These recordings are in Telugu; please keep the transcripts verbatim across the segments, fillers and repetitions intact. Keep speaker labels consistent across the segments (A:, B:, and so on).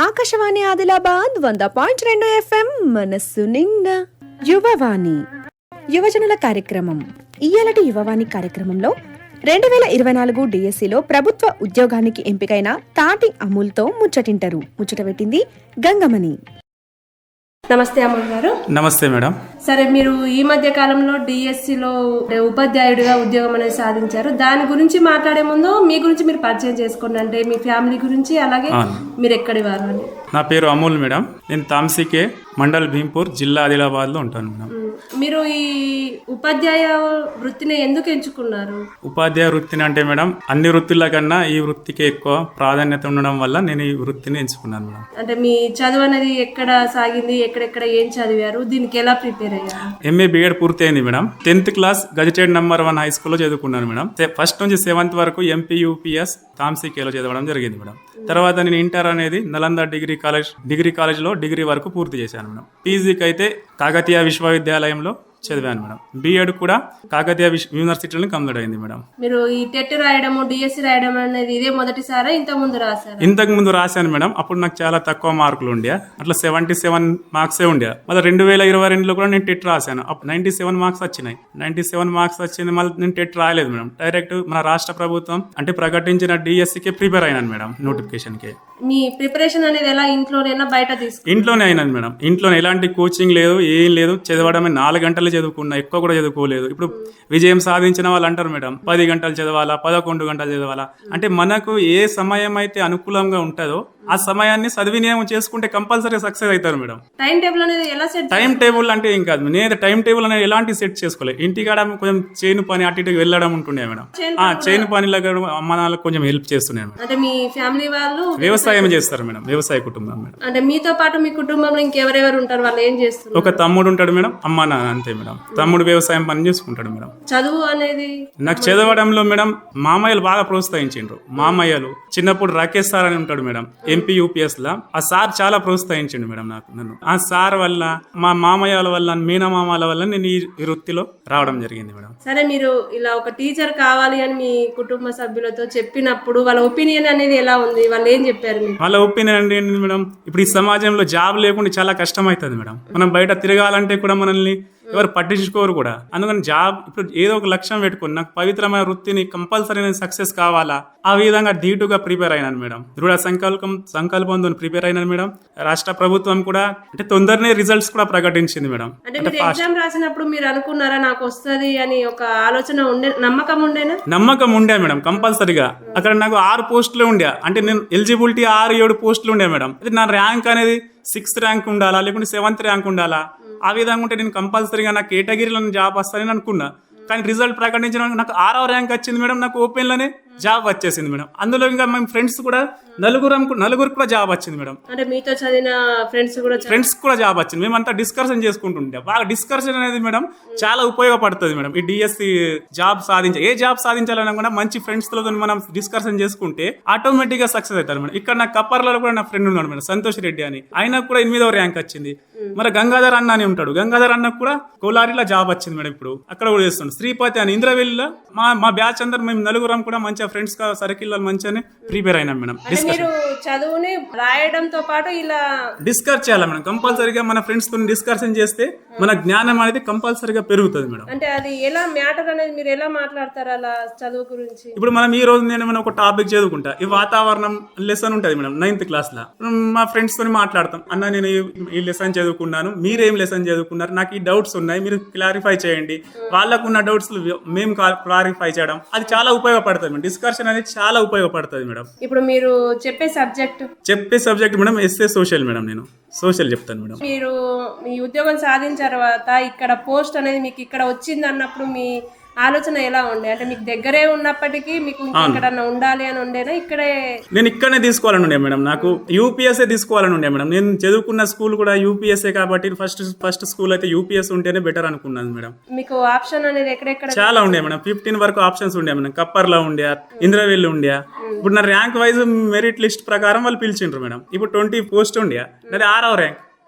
A: ఆకాశవాణి ఆదిలాబాద్ వంద పాయింట్ రెండు ఎఫ్ఎం మనస్సు నిండా యువవాణి యువజనుల కార్యక్రమం. ఇయ్యాలటి యువవాణి కార్యక్రమంలో రెండు వేల ఇరవై నాలుగు డిఎస్సిలో ప్రభుత్వ ఉద్యోగానికి ఎంపికైన తాటి అమూల్తో ముచ్చటింటారు. ముచ్చట పెట్టింది గంగమణి.
B: నమస్తే అమూల్ గారు.
C: నమస్తే మేడం.
B: సరే, మీరు ఈ మధ్య కాలంలో డిఎస్సిలో ఉపాధ్యాయుడిగా ఉద్యోగం అనేది సాధించారు. దాని గురించి మాట్లాడే ముందు మీ గురించి మీరు పరిచయం చేసుకోండి, అంటే మీ ఫ్యామిలీ గురించి, అలాగే మీరు ఎక్కడి వారు అని.
C: నా పేరు అమూల్ మేడం. నేను తాంసీకే మండల్ భీంపూర్ జిల్లా ఆదిలాబాద్ లో ఉంటాను మేడం.
B: మీరు ఈ ఉపాధ్యాయ వృత్తిని ఎందుకు ఎంచుకున్నారు?
C: ఉపాధ్యాయ వృత్తిని అంటే మేడం అన్ని వృత్తుల కన్నా ఈ వృత్తికి ఎక్కువ ప్రాధాన్యత ఉండడం వల్ల నేను ఈ వృత్తిని ఎంచుకున్నాను మేడం.
B: అంటే మీ చదువు అనేది ఎక్కడ సాగింది, ఎక్కడెక్కడ ఏం చదివారు, దీనికి ఎలా ప్రిపేర్ అయ్యారు?
C: ఎంఏ బిఎడ్ పూర్తి అయింది madam. Tenth class gazetted number one high స్కూల్లో చదువుకున్నాను మేడం. ఫస్ట్ నుంచి సెవెంత్ వరకు ఎంపీ యూపీఎస్ తాంసీకేలో చదవడం జరిగింది మేడం. తర్వాత నేను ఇంటర్ అనేది నలంద డిగ్రీ కాలేజ్ డిగ్రీ కాలేజ్లో డిగ్రీ వరకు పూర్తి చేశాను మేడం. పీజీకి అయితే కాకతీయ విశ్వవిద్యాలయంలో చదివాను మేడం. బిఎడ్ కూడా కాకతీయ యూనివర్సిటీలో కంప్లీట్ అయింది మేడం.
B: మీరు ఈ టెట్ రాయడం, డిఎస్సి రాయడం అనేది ఇదే మొదటిసారా, ఇంతకు ముందు రాశారు?
C: ఇంతకు ముందు రాశాను మేడం. అప్పుడు నాకు చాలా తక్కువ మార్కులు ఉండే, అట్లా సెవెంటీ సెవెన్ మార్క్సే ఉండే. మళ్ళీ రెండు వేల ఇరవై రెండులో కూడా నేను టెట్ రాశాను. అప్పుడు నైన్టీ సెవెన్ మార్క్స్ వచ్చినాయి. నైన్టీ సెవెన్ మార్క్స్ వచ్చింది. మళ్ళీ నేను టెట్ రాయలేదు మేడం. డైరెక్ట్ మన రాష్ట్ర ప్రభుత్వం అంటే ప్రకటించిన డిఎస్సికి ప్రిపేర్ అయినాను మేడం. నోటిఫికేషన్ కి
B: మీ ప్రిపరేషన్ అనేది ఎలా, ఇంట్లోనేనా బయట తీసుకు?
C: ఇంట్లోనే అయినాను మేడం. ఇంట్లోనే ఎలాంటి కోచింగ్ లేదు, ఏం లేదు. చదవడమే నాలుగు గంటలు చదువుకున్నా, ఎక్కువ కూడా చదువుకోలేదు. ఇప్పుడు విజయం సాధించిన వాళ్ళు అంటారు మేడం పది గంటలు చదవాలా, పదకొండు గంటలు చదవాలా. అంటే మనకు ఏ సమయం అయితే అనుకూలంగా ఉంటుందో ఆ సమయాన్ని సద్వినియోగం చేసుకుంటే కంపల్సరీ సక్సెస్ అవుతారు మేడం.
B: టైం టేబుల్ అనేది ఎలా సెట్?
C: టైం టేబుల్ అంటే ఏం కాదు, నేను టైం టేబుల్ అనేది ఎలాంటి సెట్ చేసుకోలేదు. ఇంటికాడ కొంచెం చేను పని అటు ఇటు వెళ్ళడం ఉంటుండే మేడం. ఆ చేను పనిలో అమ్మ నాన్నలకు కొంచెం హెల్ప్ చేస్తున్నాను.
B: అంటే మీ ఫ్యామిలీ వాళ్ళు
C: వ్యవసాయం చేస్తారు మేడం. వ్యవసాయ కుటుంబం మేడం.
B: అంటే మీతో పాటు మీ కుటుంబంలో ఇంకెవరెవరు ఉంటారు, వాళ్ళు ఏం చేస్తారు?
C: ఒక తమ్ముడు ఉంటాడు మేడం, అమ్మ నాన్న అంతే మేడం. తమ్ముడు వ్యవసాయం పని చేసుకుంటాడు మేడం.
B: చదువు అనేది
C: నాకు చదవడంలో మేడం మామయ్యలు బాగా ప్రోత్సహించిండ్రు. మామయ్యలు చిన్నప్పుడు రాకేష్ సార్ అని ఉంటాడు మేడం, ఎంపీ యూపీఎస్ లా. ఆ సార్ చాలా ప్రోత్సహించిండు మేడం నాకు నన్ను. ఆ సార్ వల్ల, మా మామయ్యల వల్ల, మీనమామల వల్ల నేను ఈ వృత్తిలో రావడం జరిగింది మేడం.
B: సరే, మీరు ఇలా ఒక టీచర్ కావాలి అని మీ కుటుంబ సభ్యులతో చెప్పినప్పుడు వాళ్ళ ఒపీనియన్ అనేది ఎలా ఉంది? వాళ్ళు ఏం చెప్పారు?
C: వాళ్ళ ఒపీనియన్ అంటే ఏంటి మేడం, ఇప్పుడు ఈ సమాజంలో జాబ్ లేకుండా చాలా కష్టం అవుతుంది మేడం. మనం బయట తిరగాలంటే కూడా మనల్ని ఎవరు పట్టించుకోరు కూడా. అందుకని జాబ్ ఇప్పుడు ఏదో ఒక లక్ష్యం పెట్టుకుని నాకు పవిత్రమైన వృత్తిని కంపల్సరీ నేను సక్సెస్ కావాలా, ఆ విధంగా ధీటుగా ప్రిపేర్ అయినాను మేడం. దృఢ సంకల్పం సంకల్పంతో ప్రిపేర్ అయినాను మేడం. రాష్ట్ర ప్రభుత్వం కూడా అంటే తొందరనే రిజల్ట్స్ కూడా ప్రకటించింది మేడం.
B: అంటే మీరు ఎగ్జామ్ రాసినప్పుడు మీరు అనుకున్నారా నాకు వస్తుంది అని ఒక ఆలోచన ఉండే, నమ్మకం ఉండేనా?
C: నమ్మకం ఉండే మేడం కంపల్సరీగా. అక్కడ నాకు ఆరు పోస్టులు ఉండే, అంటే నేను ఎలిజిబిలిటీ ఆరు ఏడు పోస్టులు ఉండే మేడం. అయితే నా ర్యాంక్ అనేది సిక్స్త్ ర్యాంక్ ఉండాలా, లేకుంటే సెవెంత్ ర్యాంక్ ఉండాలా, ఆ విధంగా ఉంటే నేను కంపల్సరీగా నా కేటగిరీలో జాబ్ వస్తానని అనుకున్నా. కానీ రిజల్ట్ ప్రకటించిన నాకు ఆరవ ర్యాంక్ వచ్చింది మేడం. నాకు ఓపెన్లోనే జాబ్ వచ్చేసింది మేడం. అందులో ఇంకా మేము ఫ్రెండ్స్ కూడా నలుగురు నలుగురు కూడా జాబ్ వచ్చింది మేడం.
B: అంటే మీతో చదివిన ఫ్రెండ్స్ కూడా
C: ఫ్రెండ్స్ కూడా జాబ్ వచ్చింది. మేమంతా డిస్కషన్ చేసుకుంటుంటే బాగా డిస్కషన్ అనేది మేడం చాలా ఉపయోగపడుతుంది మేడం. ఈ డిఎస్సి జాబ్ సాధించ ఏ జాబ్ సాధించాలన్నా కూడా మంచి ఫ్రెండ్స్ తో మనం డిస్కషన్ చేసుకుంటే ఆటోమేటిక్ గా సక్సెస్ అవుతారు మేడం. ఇక్కడ నా కప్పర్లలో కూడా నా ఫ్రెండ్ ఉన్నాడు మేడం, సంతోష్ రెడ్డి అని. ఆయనకు కూడా ఎనిమిదవ ర్యాంక్ వచ్చింది. మరి గంగాధర్ అన్న అని ఉంటాడు, గంగాధర్ అన్నకు కూడా కోలారిలో జాబ్ వచ్చింది మేడం. ఇప్పుడు అక్కడ కూడా చేస్తుండే. శ్రీపతి అని ఇంద్రవెల్లిలో మా మా బ్యాచ్ అందరు మేము నలుగురం కూడా మంచిగా ఫ్రెండ్స్ గా సర్కిల్ మంచిగానే ప్రిపేర్ అయినాం మేడం.
B: మీరు చదువుని రాయడంతో పాటు ఇలా
C: డిస్కస్ చేయాలి మేడం. కంపల్సరీగా మన ఫ్రెండ్స్ తో డిస్కషన్ చేస్తే మన జ్ఞానం అనేది కంపల్సరీగా పెరుగుతుంది మేడం.
B: అంటే అది ఎలా మ్యాటర్ అనేది మీరు ఎలా మాట్లాడతారు అలా చదువు గురించి?
C: ఇప్పుడు మనం ఈ రోజు నేను ఒక టాపిక్ చదువుకుంటా, ఈ వాతావరణం లెసన్ ఉంటది మేడం నైన్త్ క్లాస్ లో. మా ఫ్రెండ్స్ తో మాట్లాడతాం, అన్న నేను ఈ లెసన్ చదువుకున్నాను, మీరేం లెసన్ చదువుకున్నారు, నాకు ఈ డౌట్స్ ఉన్నాయి, మీరు క్లారిఫై చేయండి. వాళ్ళకున్న డౌట్స్ మేము క్లారిఫై చేయడం, అది చాలా ఉపయోగపడుతుంది మేడం. డిస్కషన్ అనేది చాలా ఉపయోగపడుతుంది మేడం.
B: ఇప్పుడు మీరు చెప్పే సబ్జెక్ట్
C: చెప్పే subject madam SA social madam. నేను సోషల్ చెప్తాను మేడం.
B: మీరు మీ ఉద్యోగం సాధించిన తర్వాత ఇక్కడ పోస్ట్ అనేది మీకు ఇక్కడ వచ్చింది అన్నప్పుడు మీ ఆలోచన ఎలా ఉండే? అంటే మీకు దగ్గరే ఉన్నప్పటికీ మీకు ఎక్కడన్నా ఉండాలి అని ఉండేనా? ఇక్కడే
C: నేను ఇక్కడనే తీసుకోవాలని ఉండే మేడం. నాకు యూపీఎస్ఏ తీసుకోవాలని ఉండే మేడం. నేను చదువుకున్న స్కూల్ కూడా యూపీఎస్ఏ కాబట్టి ఫస్ట్ ఫస్ట్ స్కూల్ అయితే యూపీఎస్ ఉంటేనే బెటర్ అనుకున్నాను మేడం.
B: మీకు ఆప్షన్ అనేది ఎక్కడెక్కడ
C: చాలా ఉండే మేడం. ఫిఫ్టీన్ వరకు ఆప్షన్స్ ఉండే మేడం. కప్పర్లో ఉండే, ఇంద్రవెల్లి ఉండే. ఇప్పుడు నా ర్యాంక్ వైజ్ మెరిట్ లిస్ట్ ప్రకారం వాళ్ళు పిలిచిండ్రు మేడం. ఇప్పుడు ట్వంటీ పోస్ట్ ఉండే, నాది ఆరవ ర్యాంక్.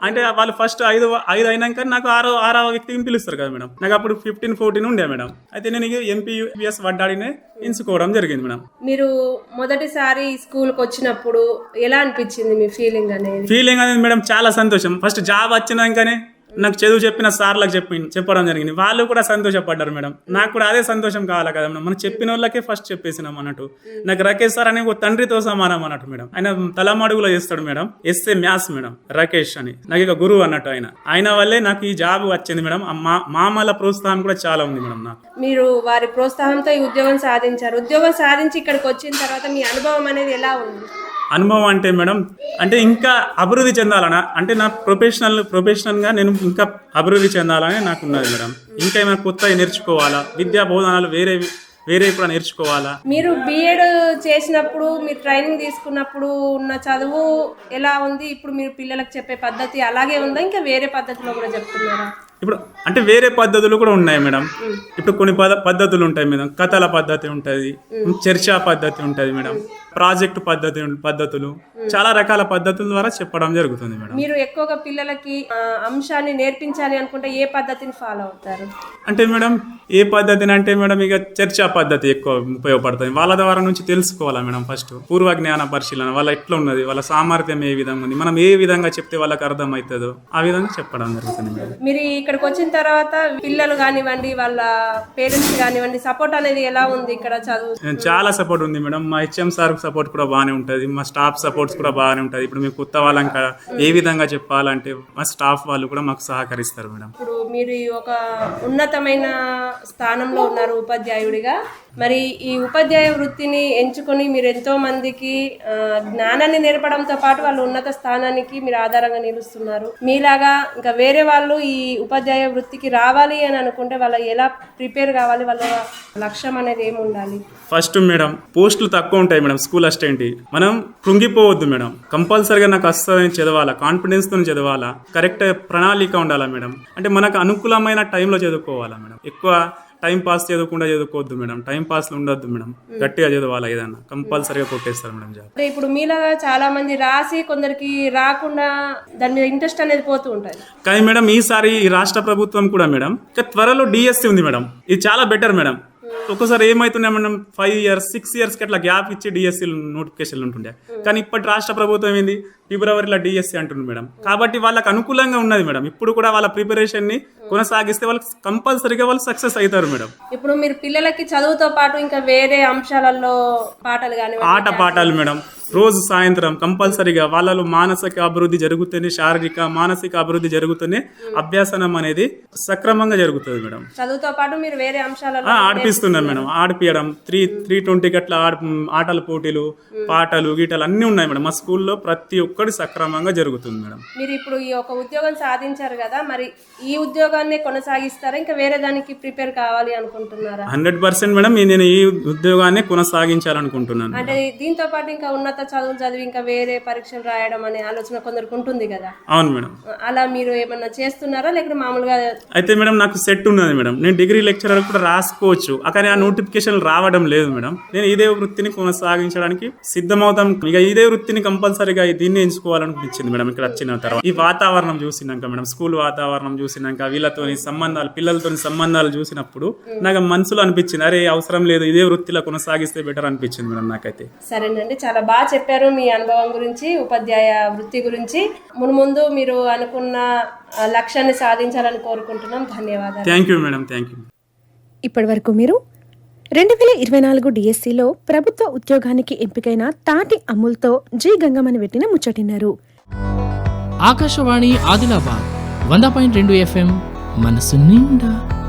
C: అంటే వాళ్ళు ఫస్ట్ ఐదు ఐదు అయినాక నాకు ఆరో ఆరవ వ్యక్తిని పిలుస్తారు కదా మేడం. నాకు అప్పుడు ఫిఫ్టీన్ ఫోర్టీన్ ఉండే మేడం. అయితే నేను ఎంపీ యూపీఎస్ వడ్డాడినే ఎంచుకోవడం జరిగింది మేడం.
B: మీరు మొదటిసారి స్కూల్కి వచ్చినప్పుడు ఎలా అనిపించింది మీ ఫీలింగ్ అనేది?
C: ఫీలింగ్ అనేది మేడం చాలా సంతోషం. ఫస్ట్ జాబ్ వచ్చినాకనే నాకు చదువు చెప్పిన సార్లకు చెప్పి చెప్పడం జరిగింది. వాళ్ళు కూడా సంతోషపడ్డారు మేడం. నాకు కూడా అదే సంతోషం కావాలి కదా మేడం. మనం చెప్పిన వాళ్ళకే ఫస్ట్ చెప్పేసినాం అన్నట్టు. నాకు రాకేష్ సార్ అనే ఒక తండ్రితో సమానం అన్నట్టు మేడం. ఆయన తలమడుగులో చేస్తాడు madam. SA maths madam Rakesh అని నాకు ఇక గురువు అన్నట్టు ఆయన. ఆయన వల్లే నాకు ఈ జాబ్ వచ్చింది మేడం. మా మామల ప్రోత్సాహం కూడా చాలా ఉంది మేడం నాకు.
B: మీరు వారి ప్రోత్సాహంతో ఈ ఉద్యోగం సాధించారు. ఉద్యోగం సాధించి ఇక్కడికి వచ్చిన తర్వాత మీ అనుభవం అనేది ఎలా ఉంది?
C: అనుభవం అంటే మేడం అంటే ఇంకా అభివృద్ధి చెందాలనా అంటే నా ప్రొఫెషనల్ ప్రొఫెషనల్గా నేను ఇంకా అభివృద్ధి చెందాలని నాకు ఉన్నది మేడం. ఇంకా ఏమైనా కొత్తగా నేర్చుకోవాలా, విద్యా బోధనలు వేరే వేరే కూడా నేర్చుకోవాలా.
B: మీరు బీఎడ్ చేసినప్పుడు మీరు ట్రైనింగ్ తీసుకున్నప్పుడు ఉన్న చదువు ఎలా ఉంది? ఇప్పుడు మీరు పిల్లలకు చెప్పే పద్ధతి అలాగే ఉందా, ఇంకా వేరే పద్ధతిలో కూడా చెప్తున్నారా?
C: ఇప్పుడు అంటే వేరే పద్ధతులు కూడా ఉన్నాయి మేడం. ఇప్పుడు కొన్ని పద పద్ధతులు ఉంటాయి మేడం. కథల పద్ధతి ఉంటుంది, చర్చా పద్ధతి ఉంటుంది మేడం, ప్రాజెక్ట్ పద్ధతి పద్ధతులు, చాలా రకాల పద్ధతుల ద్వారా చెప్పడం జరుగుతుంది మేడం.
B: మీరు ఎక్కువగా పిల్లలకి ఆ, అంశాన్ని నేర్పించాలి అనుకుంటే ఏ పద్ధతిని ఫాలో అవుతారు?
C: అంటే మేడం ఏ పద్ధతిని అంటే మేడం ఇక చర్చా పద్ధతి ఎక్కువ ఉపయోగపడుతుంది. వాళ్ళ ద్వారా నుంచి తెలుసుకోవాలా మేడం. ఫస్ట్ పూర్వ జ్ఞాన పరిశీలన, వాళ్ళ ఎట్లా ఉన్నది, వాళ్ళ సామర్థ్యం ఏ విధంగా ఉంది, మనం ఏ విధంగా చెప్తే వాళ్ళకి అర్థం అవుతుందో ఆ విధంగా చెప్పడం జరుగుతుంది మేడం.
B: మీరు ఇక్కడికి వచ్చిన తర్వాత పిల్లలు కానివ్వండి, వాళ్ళ పేరెంట్స్ కానివ్వండి, సపోర్ట్ అనేది ఎలా ఉంది ఇక్కడ చదువు?
C: చాలా సపోర్ట్ ఉంది మేడం. మా హెచ్ఎం సార్ సపోర్ట్ కూడా బాగానే ఉంటుంది, మా స్టాఫ్ సపోర్ట్స్ కూడా బాగానే ఉంటుంది. ఇప్పుడు మేము కొత్త వాళ్ళంక ఏ విధంగా చెప్పాలంటే మా స్టాఫ్ వాళ్ళు కూడా మాకు సహకరిస్తారు మేడం.
B: ఇప్పుడు మీరు ఈ ఒక ఉన్నతమైన స్థానంలో ఉన్నారు ఉపాధ్యాయుడిగా. మరి ఈ ఉపాధ్యాయ వృత్తిని ఎంచుకొని మీరు ఎంతో మందికి ఆ, జ్ఞానాన్ని నేర్పడంతో పాటు వాళ్ళ ఉన్నత స్థానానికి మీరు ఆధారంగా నిలుస్తున్నారు. మీలాగా ఇంకా వేరే వాళ్ళు ఈ ఉపాధ్యాయ వృత్తికి రావాలి అని అనుకుంటే వాళ్ళు ఎలా ప్రిపేర్ కావాలి, వాళ్ళ లక్ష్యం అనేది ఏమి ఉండాలి?
C: ఫస్ట్ మేడం పోస్టులు తక్కువ ఉంటాయి మేడం. స్కూల్ అసిస్టెంట్ మనం కృంగిపోవద్దు మేడం. కంపల్సరీగా నాకు వస్తుందని చదవాలా, కాన్ఫిడెన్స్ తో చదవాలా, కరెక్ట్ ప్రణాళిక ఉండాలా మేడం. అంటే మనకు అనుకూలమైన టైంలో చదువుకోవాలా మేడం. ఎక్కువ టైం పాస్ చదువుకుండా చదువుకోవద్దు మేడం. టైం పాస్ ఉండొద్దు మేడం. గట్టిగా చదవాలా, ఏదన్నా కంపల్సరీగా కొట్టేస్తారు మేడం జాబ్.
B: అంటే ఇప్పుడు మీలాగా చాలా మంది రాసి కొందరికి రాకుండా దాని మీద ఇంట్రెస్ట్ అనేది పోతూ ఉంటుంది.
C: కానీ మేడం ఈసారి ఈ రాష్ట్ర ప్రభుత్వం కూడా మేడం ఇంకా త్వరలో డిఎస్సి ఉంది మేడం. ఇది చాలా బెటర్ మేడం. ఒక్కోసారి ఏమైతున్నాయి madam five years six years కి అట్లా గ్యాప్ ఇచ్చి డిఎస్సి నోటిఫికేషన్లు ఉంటుండే. కానీ ఇప్పటి రాష్ట్ర ప్రభుత్వం ఏంది ఫిబ్రవరిలో డిఎస్సి అంటుంది మేడం. కాబట్టి వాళ్ళకి అనుకూలంగా ఉన్నది మేడం. ఇప్పుడు కూడా వాళ్ళ ప్రిపరేషన్ ని కొనసాగిస్తే వాళ్ళకి కంపల్సరీగా వాళ్ళు సక్సెస్ అవుతారు మేడం.
B: ఇప్పుడు మీరు పిల్లలకి చదువుతో పాటు ఇంకా వేరే అంశాలలో పాటలు కానీ
C: ఆట పాఠాలు మేడం రోజు సాయంత్రం కంపల్సరీగా వాళ్ళలో మానసిక అభివృద్ధి జరుగుతూనే, శారీరక మానసిక అభివృద్ధి జరుగుతూనే అభ్యాసనం అనేది సక్రమంగా జరుగుతుంది మేడం.
B: చదువుతో పాటు మీరు వేరే అంశాలలో
C: ఆడిపిస్తున్నారు మేడం. ఆడిపియడం త్రీ త్రీ ట్వంటీకి అట్లా ఆడ ఆటల పోటీలు, పాటలు గీటలు అన్నీ ఉన్నాయి మేడం. మా స్కూల్లో ప్రతి ఒక్కటి సక్రమంగా జరుగుతుంది మేడం.
B: మీరు ఇప్పుడు ఈ ఒక ఉద్యోగం సాధించారు కదా, మరి ఈ ఉద్యోగాన్ని కొనసాగిస్తారా, ఇంకా వేరే దానికి ప్రిపేర్ కావాలి అనుకుంటున్నారా?
C: హండ్రెడ్ పర్సెంట్ మేడం నేను ఈ ఉద్యోగాన్ని కొనసాగించాలనుకుంటున్నాను.
B: అంటే దీంతో పాటు ఇంకా ఉన్నత చదువులు చదివి ఇంకా వేరే పరీక్షలు రాయడం అనే ఆలోచన కొందరికి ఉంటుంది కదా.
C: అవును మేడం.
B: అలా మీరు ఏమన్నా చేస్తున్నారా, లేకపోతే మామూలుగా?
C: అయితే మేడం నాకు సెట్ ఉన్నది మేడం. నేను డిగ్రీ లెక్చరర్ కూడా రాసుకోవచ్చు, కానీ ఆ నోటిఫికేషన్ రావడం లేదు మేడం. నేను ఇదే వృత్తిని కొనసాగించడానికి సిద్ధమవుతాం. ఇక ఇదే వృత్తిని కంపల్సరీగా దీన్ని ఎంచుకోవాలనిపించింది మేడం ఇక్కడ వచ్చిన తర్వాత. ఈ వాతావరణం చూసినాక మేడం, స్కూల్ వాతావరణం చూసినాక, వీళ్ళతోని సంబంధాలు, పిల్లలతోని సంబంధాలు చూసినప్పుడు నాకు మనసులో అనిపించింది, అరే అవసరం లేదు, ఇదే వృత్తిలో కొనసాగిస్తే బెటర్ అనిపించింది మేడం నాకైతే.
B: సరేనండి, చాలా బాగా చెప్పారు మీ అనుభవం గురించి, ఉపాధ్యాయ వృత్తి గురించి. మున్ముందు మీరు అనుకున్న ఆ, లక్ష్యాన్ని సాధించాలని కోరుకుంటున్నాం. ధన్యవాదాలు.
C: Thank you madam. Thank you.
A: ఇప్పటి వరకు మీరు రెండు వేల ఇరవై నాలుగు డిఎస్సిలో ప్రభుత్వ ఉద్యోగానికి ఎంపికైన తాటి అమూల్తో జి గంగమ్మని పెట్టిన ముచ్చటిన్నారు.
D: ఆకాశవాణి ఆదిలాబాద్ వంద పాయింట్ రెండు ఎఫ్ఎం మనసు నిండా.